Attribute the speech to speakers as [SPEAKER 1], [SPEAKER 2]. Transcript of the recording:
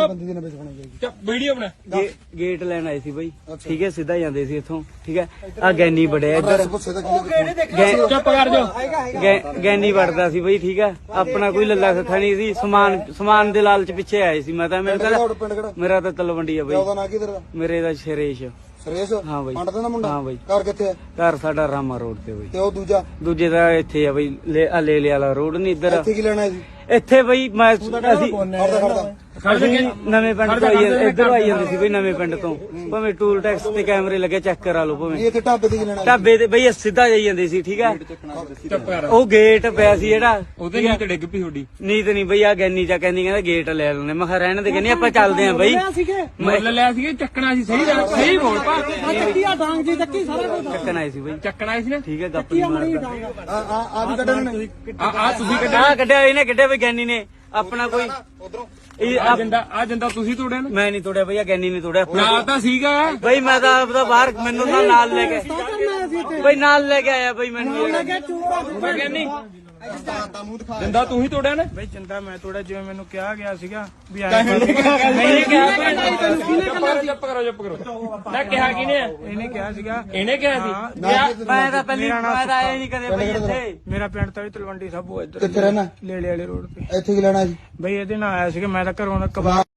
[SPEAKER 1] ਬੰਦੀ ਦੀ ਨਾ ਵਿੱਚ ਬਣਾਈ ਜਾਏਗੀ।
[SPEAKER 2] ਵੀਡੀਓ ਬਣਾ।
[SPEAKER 3] ਗੇਟ ਲੈਣ ਆਏ ਸੀ ਬਾਈ, ਠੀਕ ਹੈ, ਸਿੱਧਾ ਜਾਂਦੇ ਸੀ ਇੱਥੋਂ, ਠੀਕ ਹੈ। ਆ ਗੈਨੀ ਵੜਿਆ ਇੱਧਰ,
[SPEAKER 2] ਚੁੱਪ ਕਰ ਜਾ।
[SPEAKER 3] ਗੈਨੀ ਵੜਦਾ ਸੀ ਬਾਈ, ਠੀਕ ਹੈ। ਆਪਣਾ ਕੋਈ ਲੱਲਾ ਖੱਖਾ ਨਹੀਂ ਸੀ, ਸਮਾਨ ਦੇ ਲਾਲਚ ਪਿੱਛੇ ਆਏ ਸੀ। ਮੈਂ ਤਾਂ ਮੇਰਾ ਤਾਂ ਤਲਵੰਡੀ ਆ ਬਾਈ।
[SPEAKER 1] ਉਹਦਾ ਨਾਂ ਕੀ ਤੇਰਾ?
[SPEAKER 3] ਮੇਰੇ ਦਾ ਸ਼ਰੇਸ਼।
[SPEAKER 1] ਸਰੇਸ਼?
[SPEAKER 3] ਹਾਂ ਬਾਈ।
[SPEAKER 1] ਪੰਡ ਦਾ ਮੁੰਡਾ?
[SPEAKER 3] ਹਾਂ ਬਾਈ।
[SPEAKER 1] ਘਰ ਕਿੱਥੇ ਹੈ?
[SPEAKER 3] ਘਰ ਸਾਡਾ ਰਾਮਾ ਰੋਡ ਤੇ ਬਾਈ।
[SPEAKER 1] ਤੇ ਉਹ ਦੂਜਾ?
[SPEAKER 3] ਦੂਜੇ ਦਾ ਇੱਥੇ ਆ ਬਾਈ, ਲੈ ਵਾਲਾ ਰੋਡ ਨਹੀਂ ਇੱਧਰ।
[SPEAKER 1] ਇੱਥੇ ਕੀ ਲੈਣਾ ਸੀ?
[SPEAKER 3] ਇੱਥੇ ਬਈ ਅਸੀਂ ਨਵੇਂ ਪਿੰਡ ਤੋਂ ਇੱਧਰ ਆਈ ਜਾਂਦੇ ਸੀ ਬਈ, ਨਵੇਂ ਪਿੰਡ ਤੋਂ। ਭਾਵੇਂ ਟੂਲ ਟੈਕਸ ਤੇ ਕੈਮਰੇ ਲੱਗੇ, ਚੈੱਕ ਕਰਾ ਲਓ ਭਾਵੇਂ।
[SPEAKER 1] ਇੱਥੇ ਢਾਬੇ ਤੇ ਕੀ ਲੈਣਾ?
[SPEAKER 3] ਢਾਬੇ ਤੇ ਬਈ ਸਿੱਧਾ ਜਾਈ ਜਾਂਦੇ ਸੀ, ਠੀਕ ਹੈ। ਉਹ ਗੇਟ ਪਿਆ ਸੀ ਜਿਹੜਾ,
[SPEAKER 2] ਉਹਦੇ ਨੀਂਦ ਡਿੱਗ ਪਈ ਤੁਹਾਡੀ।
[SPEAKER 3] ਨੀਤ ਨਹੀਂ ਬਈ, ਆ ਗੈਨੀ ਚਾ ਕਹਿੰਦੀ ਕਹਿੰਦਾ ਗੇਟ ਲੈ ਲੈਣੇ। ਮੈਂ ਕਿਹਾ ਰਹਿਣ ਦੇ, ਕਹਿੰਦੀ ਆਪਾਂ ਚੱਲਦੇ ਆਂ ਬਈ।
[SPEAKER 2] ਮੁੱਲ ਲਿਆ ਸੀ, ਚੱਕਣਾ ਸੀ। ਸਹੀ ਬੋਲ ਪਾ।
[SPEAKER 3] ਚੱਕਣ ਆਏ ਸੀ ਬਈ,
[SPEAKER 2] ਚੱਕਣਾ ਸੀ ਨਾ,
[SPEAKER 3] ਠੀਕ ਹੈ। ਗੱਪ ਮਾਰਦਾ
[SPEAKER 1] ਆ ਵੀ ਕੱਢਣ ਨੇ?
[SPEAKER 2] ਆ ਤੁਸੀਂ
[SPEAKER 3] ਕੱਢਿਆ ਇਹਨੇ, ਕੱਢਿਆ ਬਈ ਗੈਨੀ ਨੇ। ਆਪਣਾ ਕੋਈ
[SPEAKER 2] ਆ ਜੰਦਾ ਤੁਸੀਂ ਤੋੜਿਆ ਨਾ?
[SPEAKER 3] ਮੈਂ ਨਹੀਂ ਤੋੜਿਆ ਬਈ, ਆ ਗੈਨੀ ਨੇ ਤੋੜਿਆ।
[SPEAKER 2] ਨਾਲ ਤਾਂ ਸੀਗਾ
[SPEAKER 3] ਬਈ, ਮੈਂ ਤਾਂ ਆਪਦਾ ਬਾਹਰ, ਮੈਨੂੰ ਤਾਂ ਨਾਲ ਲੈ ਕੇ ਬਈ, ਨਾਲ ਲੈ ਕੇ ਆਇਆ ਬਈ ਮੈਨੂੰ।
[SPEAKER 2] ਜੰਦਾ ਤੂੰ ਹੀ ਤੋੜਿਆ ਨਾ?
[SPEAKER 4] ਬਈ ਚੰਦਾ ਮੈਂ ਤੋੜਿਆ, ਜਿਵੇਂ ਮੈਨੂੰ ਕਿਹਾ ਗਿਆ ਸੀਗਾ ਵੀ
[SPEAKER 2] ਚੁੱਪ ਕਰੋ। ਮੈਂ ਕਿਹਾ ਕਿਨੇ?
[SPEAKER 4] ਇਹਨੇ ਕਿਹਾ ਸੀਗਾ।
[SPEAKER 2] ਇਹਨੇ ਕਿਹਾ ਸੀ?
[SPEAKER 3] ਮੈਂ ਤਾਂ ਪਹਿਲੀ ਮੈਂ ਤਾਂ ਆਇਆ ਨਹੀਂ ਕਦੇ ਬਈ ਇੱਥੇ।
[SPEAKER 4] ਮੇਰਾ ਪਿੰਡ ਤਾਂ ਵੀ ਤਲਵੰਡੀ ਸਾਬੋ ਇੱਧਰ
[SPEAKER 1] ਕਿੱਥੇ ਰਹਿਣਾ?
[SPEAKER 4] ਲੇਲੇ ਵਾਲੇ ਰੋਡ ਤੇ।
[SPEAKER 1] ਇੱਥੇ ਕੀ ਲੈਣਾ ਸੀ?
[SPEAKER 4] ਬਈ ਇਹਦੇ ਨਾਲ ਆਇਆ ਸੀਗਾ, ਮੈਂ ਤਾਂ ਘਰੋਂ ਕਬਾਬ